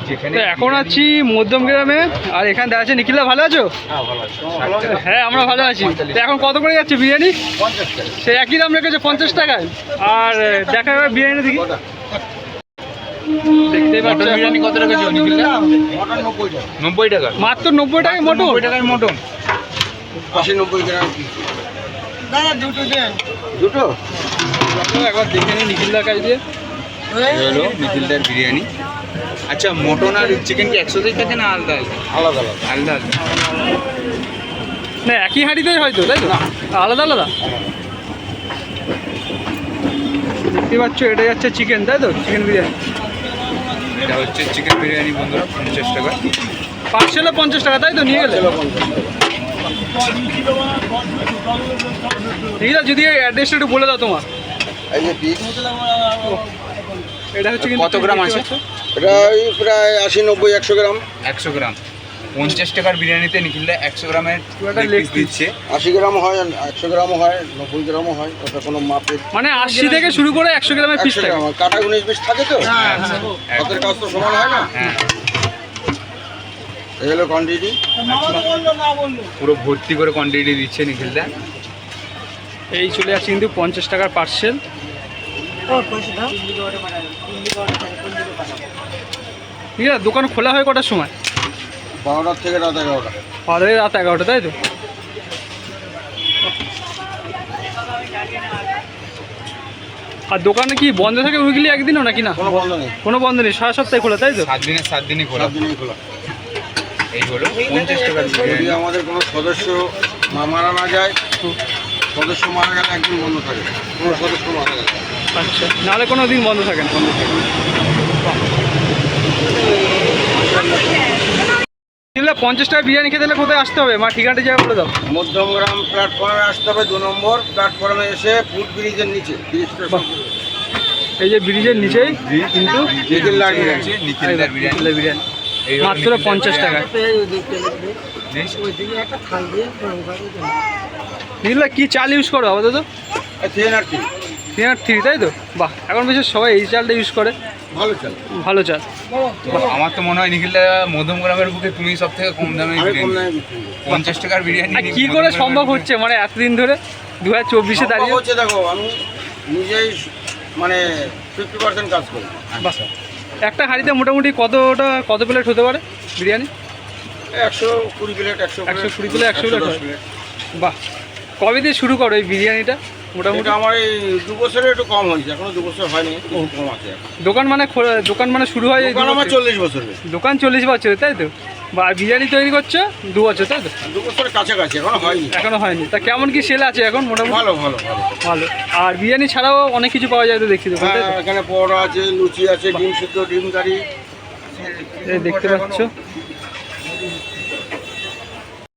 এখন আছি মধ্যম গ্রামে, আর এখানে দেখা যাচ্ছে নিখিলদা ভালো আছো? হ্যাঁ আমরা ভালো আছি। তো এখন কত করে যাচ্ছে বিরিয়ানি? সে একই দাম রেখেছে 50 টাকায়। আর দেখা যাবে বিরিয়ানি দেখি, দেখতেই পাচ্ছ বিরিয়ানি কত টাকা ছিল নিখিলদা? 90 টাকা। মাত্র 90 টাকায় মটন? 90 টাকায় মটন 80-90 গ্রাম দাদা দুটো দেন। দুটো একবার দেখে নিই নিখিলদার কাছ দিয়ে। হলো নিখিলদার বিরিয়ানি। আচ্ছা মটন আর চিকেন কি একসাথেই থাকে না আলাদা আলাদা? আলাদা আলাদা না একই হাঁড়িতেই হয়তো, তাই তো? আলাদা আলাদা দেখতে পাচ্ছ। এটা যাচ্ছে চিকেন, তাই তো? চিকেন বিরিয়ানি। এটা হচ্ছে চিকেন বিরিয়ানি বন্ধুরা, 50 টাকা পার্সেলও 50 টাকা, তাই তো? নিয়ে গেলে নিখিলদা যদি অ্যাড্রেসটা একটু বলে দাও তোমার। এই যে পিস এটা হচ্ছে কত গ্রাম আছে? এটা প্রায় 80-90-100 গ্রাম। 100 গ্রাম 50 টাকার বিরিয়ানিতে নিখিলদা 100 গ্রামের লেগ পিস দিচ্ছে। 80 গ্রাম হয়, 100 গ্রামও হয়, 90 গ্রামও হয়। ওটা কোনো মাপের মানে 80 থেকে শুরু করে 100 গ্রামের পিস থাকে। কাটা 19 পিস থাকে তো, হাতের কাজ তো সমান হয় না। হ্যাঁ এই হলো কোয়ান্টিটি, পুরো ভর্তি করে কোয়ান্টিটি দিচ্ছে নিখিলদা। এই চলে যাচ্ছে কিন্তু 50 টাকার পার্সেল। ঠিক আছে, দোকান খোলা হয় কটার সময়? 12টা থেকে রাত 11টা। রাত 11টা, তাই তো? আর দোকানে কি বন্ধ থাকে উইকলি একদিনও নাকি? না কোনো বন্ধ নেই, কোনো বন্ধ নেই, সারা সপ্তাহে খোলা, তাই তো? 7 দিনই খোলা। এই হলো 50 টাকার বিরিয়ানি। যদি আমাদের কোনো সদস্য মারা না যায়, সদস্য মারা গেলে একদিন বন্ধ থাকে। কোনো সদস্য মারা গেলে আচ্ছা, নাহলে কোনো দিন বন্ধ থাকে না। 50 টাকা বিরিয়ানি খেতে হলে কোথায় আসতে হবে? মা ঠিকানাটা জায়গা বলে দাও। মধ্যমগ্রাম প্ল্যাটফর্মে আসতে হবে, 2 নম্বর প্ল্যাটফর্মে এসে ফুট ব্রিজের নিচে। এই যে ব্রিজের নিচেই কিন্তু নিখিলদার বিরিয়ানি মাত্র 50 টাকা। নিখিলদা কি চাল ইউজ করো আপাতত? 303, তাই তো? বাহ, এখন বেশি সবাই এই চালটা ইউজ করে। ভালো চাল, ভালো চাল। আমার তো মনে হয় নিখিলদা মধ্যমগ্রামের বুকে তুমি সব থেকে কম দামে 50 টাকার বিরিয়ানি কি করে সম্ভব হচ্ছে মানে এতদিন ধরে 2024-এ দাঁড়িয়ে? হচ্ছে দেখো, আমি নিজেই মানে 50% কাজ করি। বাহ, একটা হাঁড়িতে মোটামুটি কত প্লেট হতে পারে বিরিয়ানি? 120 প্লেট, 120 প্লেট, 100 প্লেট হয়। বাহ, কবে দিয়ে শুরু করো এই বিরিয়ানিটা? মোটামুটি আমার এই 2 বছরে একটু কম হয়েছে, এখনো 2 বছর হয়নি, কম আছে। দোকান মানে শুরু হয় এই আমার 40 বছর। দোকান 40 বছর, তাই তো? বা বিরিয়ানি তৈরি করছো 2 বছর, তাই তো? 2 বছরের কাছাকাছি, এখনো হয়নি। তা কেমন কি সেল আছে এখন মোটামুটি? ভালো ভালো ভালো ভালো। আর বিরিয়ানি ছাড়াও অনেক কিছু পাওয়া যায় তো দেখছি দোকান, তাই তো? এখানে পরোটা আছে, লুচি আছে, ডিম সিদ্ধ, ডিম কারি এই দেখতে পাচ্ছ।